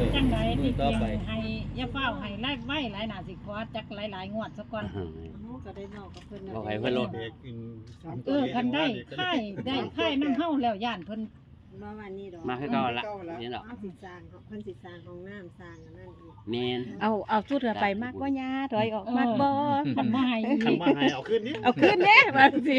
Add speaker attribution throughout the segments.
Speaker 1: จังไดนี่เพียงให้อย่าเฝ้าให้ไล่ไว้หลายหน้าสิขอจักหลายๆงวดซะก่อน
Speaker 2: ก็ได้นอกกับเพิ่น
Speaker 3: บอกให้เพิ่นลด
Speaker 1: คันได้ค่ายนำเฮาแล้วย่านเพิ่น
Speaker 2: บ่ว่านี่ดอก
Speaker 3: มาคือเก่าละนี่ดอก
Speaker 2: สิสร้างเพิ่นสิสร้างห้องน้ำสร้างอันนั้นอีก
Speaker 3: แม่น
Speaker 4: เอาชุดเรือไปมากบ่ยาถอยออกมากบ่
Speaker 1: คันบ่ให้
Speaker 5: คันมาให้เอาขึ้นนี่
Speaker 4: เอาขึ้นเด้มาสิ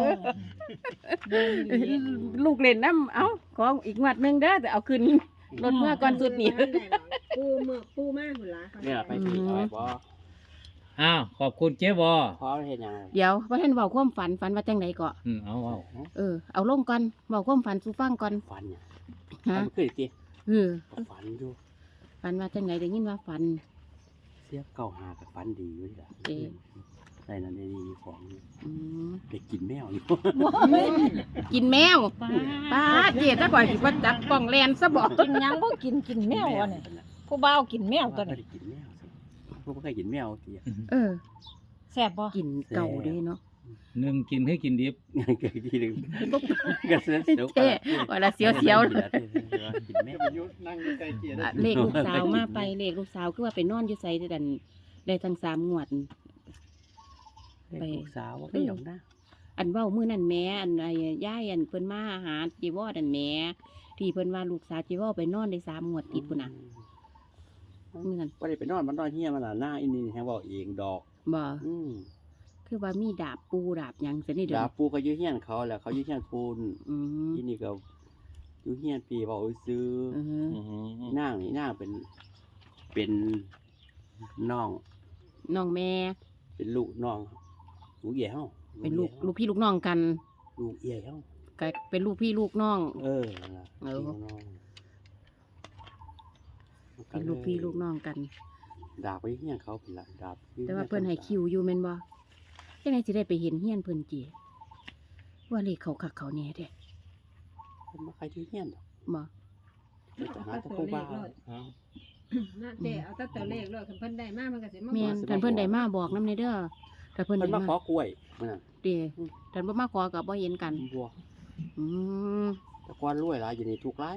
Speaker 4: ลูกเล่นน้ำเอาของอีกงวดนึงเด้อแต่เอาขึ้นรถเมื่อก่อนสุดนี่
Speaker 2: ปูมากพุ่นล่ะ
Speaker 3: นี่ล่ะไปผิดเอาไว้บ่
Speaker 6: อ้าวขอบคุณเจ๊บอ
Speaker 3: พอเฮ็ดหยัง
Speaker 4: เดี๋ยวว่าท่านเว้าความฝันว่าจังไดก็
Speaker 6: เอา
Speaker 4: เอาลงก่อนเว้าความฝันสู่ฟังก่อน
Speaker 3: ฝันเนี่ย
Speaker 4: ฮะ
Speaker 3: มันคือสิ ฝันอยู่
Speaker 4: ฝันว่าจังไดได้ยินว่าฝัน
Speaker 3: เสียเก่าหากับฝันดีอยู่นี่ล่ะ
Speaker 4: เอ๊ะ
Speaker 3: ได้นั่นได้ดีของ
Speaker 4: อืม
Speaker 3: ได้กินแมวอยู่
Speaker 4: กินแมวป้าเจี๊ยถ้าก่อนสิว่าจับกล่องแลนซะบ่
Speaker 1: กินหยังบ่กินแมวอ่ะนี่ผู้บ่าวกินแมวตัว
Speaker 3: ไม่
Speaker 1: นี้
Speaker 3: ได้กินแมวสิพวกบ่เคยกินแมวที
Speaker 1: แซ่บบ่
Speaker 4: กินเก่าเด้เนาะ
Speaker 6: หนึ่งกินให้กินดิบ
Speaker 3: เกิดทีนึงก็เสียว
Speaker 4: เท่ว่าละเสียวๆ
Speaker 3: กินแมว
Speaker 5: ยุนั่งใกล้เกียร์ได้
Speaker 4: เลขลูกสาวมาไปเลขลูกสาวคือว่าไปนอนอยู่ไสได้ทั้ง3งวด
Speaker 3: ไปลูกสาวได้หยอกนะ
Speaker 4: อันเว้ามื้อนั้นแหม่อันไอ้ย่ายอันเพิ่นมาหาจีวอนั่นแหม่ที่เพิ่นว่าลูกสาวจีวอไปนอนได้3งวดติดพุ่นน่ะมื้อนั้น
Speaker 3: บ่ได้ไปนอนมันนอนเฮียมันน่ะหน้าอินนี่แฮงเว้าเองดอก
Speaker 4: บ่
Speaker 3: อืม
Speaker 4: คือว่ามีดาบปูดาบหยังซะนี่เด้
Speaker 3: ดา
Speaker 4: อ
Speaker 3: ปูก็อยู่เฮียนเขาแหละเขาอยู่เฮียนปูน
Speaker 4: อืม
Speaker 3: ที่นี่ก็อยู่เฮียนปีเว้าซื้อ
Speaker 4: อือฮึ
Speaker 3: นางนี่นางเป็นน้อง
Speaker 4: น้องแม่
Speaker 3: เป็นลูกน้องลูกเอี่ยเฮา
Speaker 4: เป็นลูกพี่ลูกน้องกัน
Speaker 3: ลูกเอี่ยเฮา
Speaker 4: ก็เป็นลูกพี่ลูกน้อง
Speaker 3: นั่นล่ะ
Speaker 4: เออ
Speaker 3: พี่น้อง
Speaker 4: เป็นลูกพี่ลูกน้องกัน
Speaker 3: ดาบไปเฮียนเขาเป็นละดาบ
Speaker 4: แต่ว่าเพิ่นให้คิวอยู่แม่นบ่จังได๋สิได้ไปเห็นเฮียนเพิ่นจิว่าเลขเขาคักเขาแน่เด้
Speaker 3: เพิ่นมาใครที่เฮียนดอก
Speaker 4: บ่
Speaker 3: เพิ่นจะหาแตะโคบ้า
Speaker 2: น่าเจ๊เอาแต่ตัวเลขเลยคันเพิ่นได้มามันก็สิมา
Speaker 4: แม่นท่านเพิ่นได้มาบอกนำในเด้อถ้าเพิ่น
Speaker 3: เพิ่น
Speaker 4: ได้
Speaker 3: มา
Speaker 4: มา
Speaker 3: ขอกล้วยมื้อนั้น
Speaker 4: เด้ท่านบ่มาขอก็บ่เห็นกัน
Speaker 3: บัว
Speaker 4: อืม
Speaker 3: แต่ก่อนรวยหลายอยู่นี่ทุกข์หลาย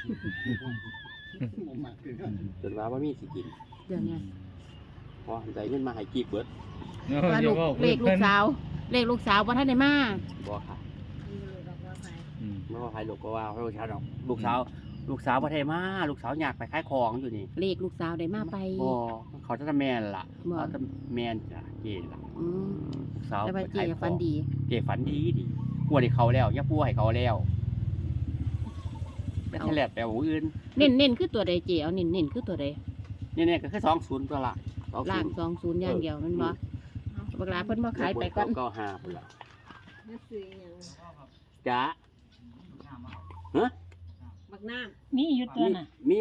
Speaker 3: จนว่าบ่มีสิกิน
Speaker 4: เดี๋ยวนี้
Speaker 3: พอได้เงินมาให้กีบเบิด
Speaker 4: ว่าลูกเลขลูกสาวบ่ทันได้มา
Speaker 3: บ่ค่ะ
Speaker 6: อืม
Speaker 3: บ่ว่าใครลูกก็ว่าลูกสาวดอกลูกสาวบ่ได้มาลูกสาวอยากไปขายของอยู่นี่
Speaker 4: เลขลูกสาวได้มาไป
Speaker 3: บ่เขาจะแม่นล่ะ
Speaker 4: บ่
Speaker 3: เขาจะแม่นจ้ะเจล่ะ
Speaker 4: อืม
Speaker 3: ลูกสาว
Speaker 4: แต่ว่า
Speaker 3: ไป
Speaker 4: เจ๊
Speaker 3: ขายของ
Speaker 4: ฝันดี
Speaker 3: เจฝันดีกลัวให้เขาแล้วอย่าปูให้เขาแล้วไปทะเลแต่ว่าอื่น
Speaker 4: เน้นคือตัวใดเจ๊เอาเน้นคือตัวใด
Speaker 3: เนี่ยก็คือ20ตัวละ
Speaker 4: ล่าง20อย่างเดียวแมันบ่บักหลาเพิ่นบ่ขายไปก่อน
Speaker 3: ก็5พุ่นล่ะ
Speaker 2: มาซื้อหยัง
Speaker 3: จ้ะ
Speaker 2: บักน้
Speaker 1: มีอยู่ตัวน่ะ
Speaker 3: มี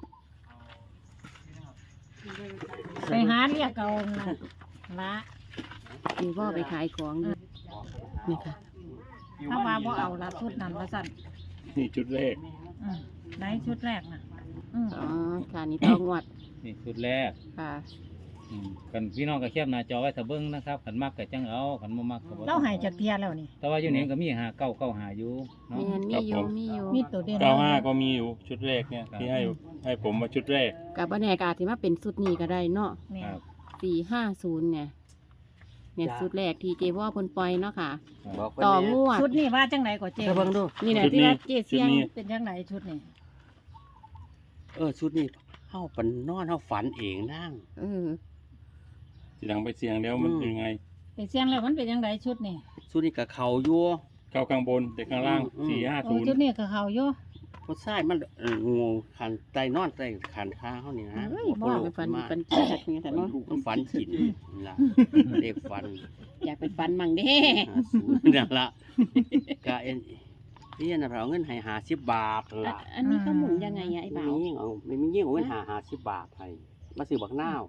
Speaker 2: ำ
Speaker 1: ไปหาเรียกเอาน่ะละ
Speaker 4: มีบ่ไปขายของอยู่นี่ค่ะ
Speaker 1: ถ้าว่าบ่เอาละชุดนั้นว่าซั่น
Speaker 5: นี่จุดแรก
Speaker 1: ไหนชุดแรกน่ะ
Speaker 4: อ๋อค่ะนี่ต้องงวด
Speaker 6: นี่ชุดแรก
Speaker 4: ค่ะ
Speaker 6: กันพี่น้องก็เขียบหน้าจอไว้ถ้าเบิ่งนะครับขันมักก็จังเอาขันบ่มักก็บ่
Speaker 1: เราให้จักเที่ยแล้วนี่
Speaker 6: แต่ว่าอยู่นี่ก็มี5 9 9 5อยู่เนาะ
Speaker 4: แม่นมีอยู่มีอยู่
Speaker 1: มีตัวเด่น
Speaker 5: 95ก็มีอยู่ชุดแรกเนี่ยที่ให้ผมมาชุดแรก
Speaker 4: กับบ่แน่ก็อาจสิมาเป็นสุดนี้ก็ได้เนาะ
Speaker 1: แม่
Speaker 6: ครับ
Speaker 4: 450เนี่ยสุดแรกที่เจ๊ว่าเพิ่นปล่อยเนาะค่ะ
Speaker 3: บอก
Speaker 4: ต่อ
Speaker 3: เพิ่น
Speaker 4: ง
Speaker 3: แน่
Speaker 4: วด
Speaker 1: ชุดนี้ว่าจังไดก็เจ๊
Speaker 3: เธอเบิ่งดู
Speaker 4: นี่น่ะ
Speaker 5: ชุด
Speaker 4: ที่
Speaker 5: นี้
Speaker 4: ว่าเจ๊เสียง
Speaker 5: ชุดนี้
Speaker 1: เป็นจังไดชุดนี้
Speaker 3: ชุดนี้เฮาปันนอนเฮาฝันเองนั่ง
Speaker 4: เออ
Speaker 5: ทีหลังไปเสียงแล้วมันยังไง
Speaker 1: ไปเสียงแล้วมันเป็นจังไดชุดนี้
Speaker 3: ชุดนี้ก็เข้าอยู่
Speaker 5: เข้าข้างบนแต่ข้างล่าง
Speaker 1: โอ้ชุด
Speaker 5: 450
Speaker 1: นี้ก็เขาอยู่
Speaker 3: ผู้ชายมันงูขันใต้นอนใต้ขันขาเฮานี่นะ
Speaker 4: เฮ้ย
Speaker 3: บ่
Speaker 4: บ่
Speaker 3: รู้
Speaker 4: ไปฝัน
Speaker 3: มา
Speaker 4: ฝันจัดนี่แต่เนาะ
Speaker 3: มันฝันกินล่ะเด็กฝัน
Speaker 4: อยากไปฝันมั่งเด้
Speaker 3: 50นั่นล่ะก็นี่นะเราเอาเงินให้50 บาทล่ะ
Speaker 4: อันนี้เขาหมุนยังไงอะไอ้บ่าว
Speaker 3: ไม่มียิ่งเอาเงิน50 บาทให้มาซื้อบักนาว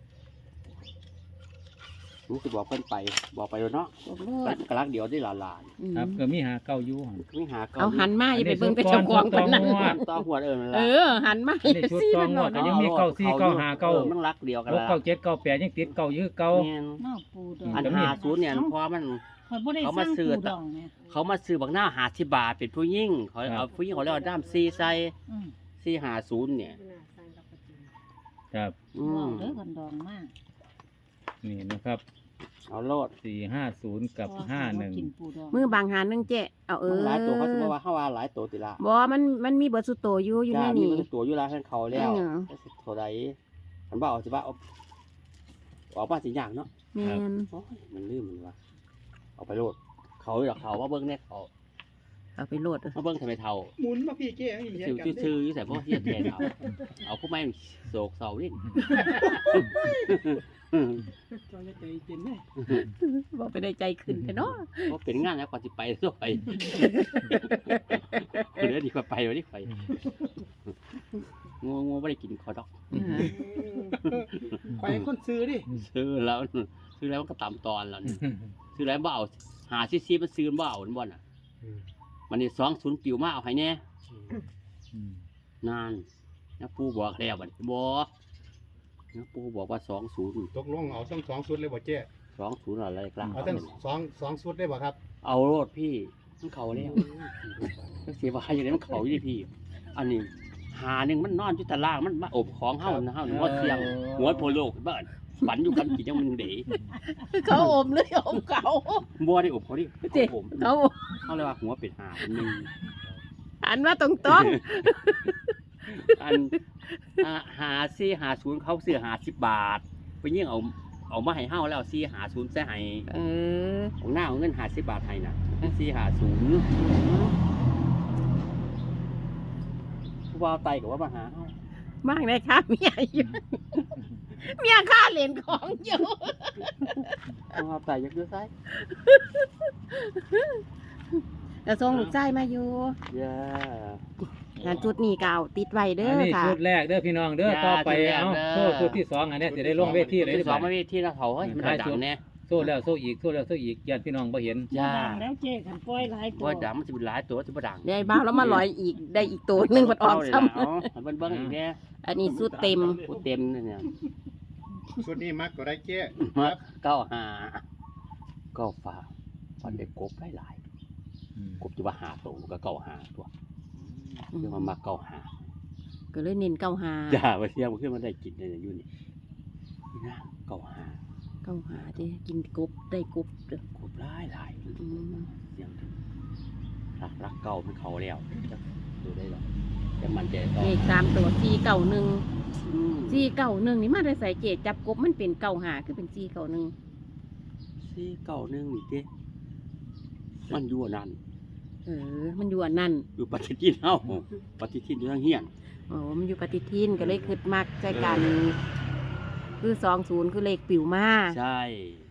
Speaker 3: รู้สึกบอกเพิ่นไปบอกไปแล้วเนาะ
Speaker 4: บอกเลิศ
Speaker 3: กะลักเดียวได้หลาน
Speaker 4: อืม
Speaker 6: ครับก็มี5 9อยู่หั่น
Speaker 3: ๆไม่หาเก่า
Speaker 4: เอาหันมาอย่าไปเบิ่งแต่
Speaker 6: อันนี้
Speaker 4: เจ้าของ
Speaker 6: ชุดก่
Speaker 4: เพิ่
Speaker 6: อน
Speaker 4: นนั่น
Speaker 6: ชุดก่อน
Speaker 3: ต่อหัวนั่น
Speaker 4: เอ
Speaker 3: ล่ะ
Speaker 4: อ หันมา
Speaker 6: อันนี้ชุดต่องวดก็ยังมี9 4 9 5 9
Speaker 3: มันรักเดียวกัน
Speaker 6: 6
Speaker 3: ละ
Speaker 6: 9 7 9 8ยังติดเก่าอยู่คือเก่า
Speaker 3: แม่น
Speaker 1: นอกปูดอง
Speaker 3: อัน50เนี่ยพอมัน
Speaker 1: ข่อยบ่ได้
Speaker 3: เขา
Speaker 1: ส
Speaker 3: มา
Speaker 1: ร้าง
Speaker 3: ซื้อ
Speaker 1: ปูดองเนี่ย
Speaker 3: เขามาซื้อบักหน้า50 บาทเป็นผู้ยิ่งเขาเอาผู้ยิ่งเขาเรียกว่าด้าม4ใส่
Speaker 1: อืม
Speaker 3: 450เนี่ย
Speaker 6: ครับ
Speaker 1: ว้าวเด้อคนดองมาก
Speaker 6: นี่นะครับ
Speaker 3: เอาโลด
Speaker 6: 450 กับ
Speaker 1: กินปูดอง
Speaker 4: มือบางหานึงเจ๊เอา
Speaker 3: หลายตัวเขาสิว่าเฮาว่าหลายตัวติละ
Speaker 4: บ่มันมีเบิดสุดโตอยู่ใน
Speaker 3: จ้ามี
Speaker 4: นี่
Speaker 3: มันตัวอยู่แล้วเพิ่นเขาแล้ว
Speaker 4: อืม
Speaker 3: ก็สิเท่าใดมันบ่เอาสิว่าเอาออกมาสิยากเนาะ
Speaker 4: แม่น
Speaker 3: โอ้ยมันลืมมันว่าเอาไปโลดเขาอยู่ดอกเขาว่าเบิ่งแน่เขา
Speaker 4: เอาไปโหลด
Speaker 3: มาเบิ่งทำไมเท่า
Speaker 7: หมุนมาพี่เจ๊ให้เห็น
Speaker 3: ชื่อ
Speaker 7: กัน
Speaker 3: ชื่ออยู่แต่พวกเฮียแทนเอาพวกไม้โศกเศร้าดิ
Speaker 7: จอยใจเย็นเลย
Speaker 4: บ่ไปได้ใจขึ้นแท้เนาะ
Speaker 3: เพราะเป็นงานแล้วก่อนสิไปก็ไปเดี๋ยวดีกว่าไปวันนี้ไปงูไม่ได้กินคอดอก
Speaker 7: ควายคนซื้อดิ
Speaker 3: ซื้อแล้วมันก็ตามตอนแล้วนี่ซื้อแล้วบ่เอาหาซีมันซื้อบ่เอาบ่น่ะมันนี่20ปิวมาเอาให้แน่นานนะปู่บอกแล้วบัดบ่นะปู่บอกว่า20
Speaker 7: ตกลงเอาทั้งสองชุดเลยบ่เจ๊
Speaker 3: 20อะไรกลาง
Speaker 7: เอาทั้งสองชุดได้บ่ครับ
Speaker 3: เอาโลดพี่มันเขาแล้วเสียว่าอย่างนี้มันเขาอยู่พี่ อันนี้หาหนึ่งมันนอนอยู่ตารางมันมาอบของเฮานะเฮาหัวเสียงหัวโพโลกบ้านฝันอยู่กันกี่จังมันเด๋
Speaker 4: เขาอมเลยอมเขา
Speaker 3: บัวได้อบเขาดิ
Speaker 4: เจ๊
Speaker 3: ผม
Speaker 4: เขา
Speaker 3: เขาเลยว่าหัวเป็ดหาหนึ่ง
Speaker 4: หันมาตรง
Speaker 3: อันหา40เขาซื้อ50 บาทไปยิ่งเอามาให้เฮาแล้ว450ใส่ให้
Speaker 4: ๆเออ
Speaker 3: ของหน้าเอาเงิน50 บาทให้น่ะ450ผู้บ่าวไตก็ว่ามาหาเฮา
Speaker 4: บ้างได้ค่ะเมียอยู่เมียค่าเหรียญของอยู่
Speaker 3: ผู้บ่าวไตอยากดูไส
Speaker 4: แต่ส่งลูกชายมาอยู่
Speaker 3: ย่า
Speaker 4: งานจุดนี้ก็เอาติดไว้เด้
Speaker 6: อัน
Speaker 4: อ
Speaker 6: นี้
Speaker 4: ค่ะ
Speaker 6: ชุดแรกเด้อพี่น้องเด้อ
Speaker 3: จ้า
Speaker 6: ต่อไป
Speaker 3: ชุดแรก
Speaker 6: เอา
Speaker 3: เด้อ
Speaker 6: โซ่ชุดที่2อันเนี้ยจะได้ลงเวทีเลย
Speaker 3: ที่
Speaker 6: ดี
Speaker 3: ส
Speaker 6: ก
Speaker 3: อง
Speaker 6: ว่า
Speaker 3: ไม่มีที่แล้วเขาเฮ้ยมันดังแน่
Speaker 6: โซ่แล้วโซ่อีกโซ่แล้วโซ่อีกญาติพี่น้องบ่เห็น
Speaker 3: ย่า
Speaker 1: ดังแล้วเจ๊ขันปล่อยหลายตัว
Speaker 3: ว่าดังมันจะเป็นหลายตัวจะบ่ดัง
Speaker 4: ได้บ้างแล้วมาลอยอีกได้อีกตัวหนึงมันออกซ้
Speaker 3: เอาเบิ่งอีกแน่
Speaker 4: ำอันนี้สุดเต็ม
Speaker 3: ผู้เต็มเนี่ย
Speaker 7: ชุดนี้มักก็ได้เจ๊
Speaker 3: มา95ก็ฟ้าฟันได้กบหลายกบจะว่า5ตัวก็95ตัวคือมันมา95
Speaker 4: ก็เลยเน้นเก้าหา
Speaker 3: จ้าว่าเสียงมันขึ้นมาได้กินได้อยู่นี่นี่นะ95
Speaker 4: เก้าหาเด้กินกบได้กบเด้อก
Speaker 3: บหลาย
Speaker 4: อืม
Speaker 3: เสียงรักเก่ามันเขาแล้วจะดูได้หรอแต่มันจะต้อง
Speaker 4: เลข3ตัว491 491นี่มาได้ใส่เจจับกบมันเป็นเก้าหาคือเป็น491
Speaker 3: 491นี่เด้มันอยู่อันนั่น
Speaker 4: มันอยู่อันนั้น
Speaker 3: อยู่ปฏิทินเฮาปฏิทินอยู่ทางเฮียน
Speaker 4: อ๋อมันอยู่ปฏิทินก็เลยคิดมักใจกันคือ20คือเลขปิวมา
Speaker 3: ใช่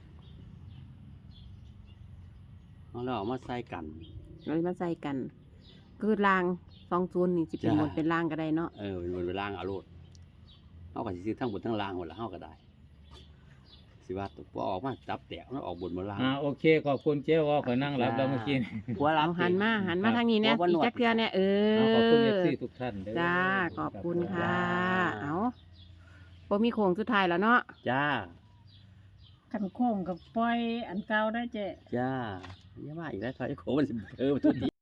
Speaker 3: เราเอามาใส่กัน
Speaker 4: เลยมาใส่กัน คือราง20นี่สิเป็น
Speaker 3: จ้ะ
Speaker 4: บนเป็นล่างก็ได้เนาะ
Speaker 3: มันเป็นล่างเอาโลดเฮาก็สิซื้อทั้งบนทั้งล่างหมดแล้วเฮาก็ได้สิว่าตัวออกมาจับแตกมันออกบนมาล่าง
Speaker 6: โอเคขอบคุณเจ๊วอขอนั่งรับแล้วเมื่อกี้
Speaker 3: หัวรับ
Speaker 4: เอาหันมาทางนี้เนี่ยอีกจักเทื่อเนี่ย
Speaker 6: ขอบคุณ FC ทุกท่านเด้อ
Speaker 4: จ้าขอบคุณค่ะ เอาบ่มีโค้งสุดท้ายแล้วเนาะ
Speaker 3: จ้า
Speaker 1: ขันโค้งกับปล่อยอันเก่าได้เจ๊
Speaker 3: จ้าอย่ามาอีกแล้วถอยโขมันสิเพิ่มทุกที